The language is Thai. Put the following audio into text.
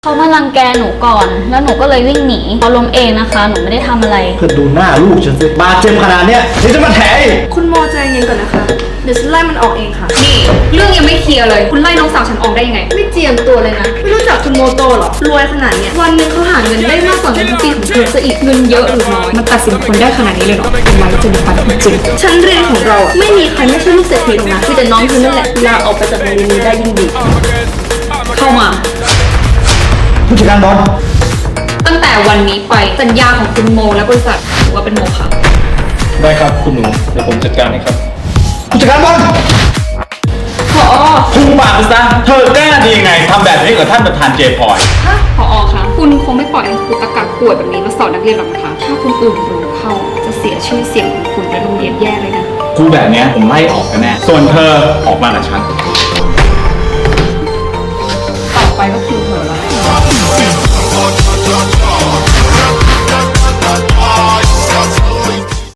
เขามารังแกหนูก่อนแล้วหนูก็เลยวิ่งหนีเขาล้มเองนะคะหนูไม่ได้ทำอะไรเธอดูหน้าลูกฉันสิบาดเจ็บขนาดเนี้ยนี่จะมาแถอีกคุณโมใจเย็นก่อนนะคะเดี๋ยวฉันไล่มันออกเองค่ะนี่เรื่องยังไม่เคลียร์เลยคุณไล่น้องสาวฉันออกได้ยังไงไม่เจียมตัวเลยนะไม่รู้จักคุณโมโตหรอรวยขนาดเนี้ยวันหนึงเขาหาเงินได้มากกว่าเงินทุกปีของเธอซะอีกเงินเยอะหรือน้อยมันตัดสินคนได้ขนาดนี้เลยเหรอเป็นไว้จนปัดจริงชั้นเรียนของเราอะไม่มีใครไม่ใช่ลูกเศรษฐีหรอกนะมีแต่น้องเธอนั่นแหละลาออกไปจากโรงเรียนนี้ได้ยิ่งดีเข้ามาผู้จัดการบอลตั้งแต่วันนี้ไปสัญญาของคุณโมและบริษัทถือว่าเป็นโมฆะได้ครับคุณหนูเดี๋ยวผมจัดการให้ครับผู้จัดการบอลผอ. คุมปากไปซะเธอกล้าดียังไงทำแบบนี้กับท่านประธานเจพลอยผอ.คะคุณคงไม่ปล่อยให้ครูตะกักป่วยแบบนี้มาสอนนักเรียนหรอกนะคะถ้าคุณอื่นรู้เข้าจะเสียชื่อเสียงของคุณและโรงเรียนแย่เลยนะครูแบบนี้ผมไล่ออกแน่ส่วนเธอออกมากับฉัน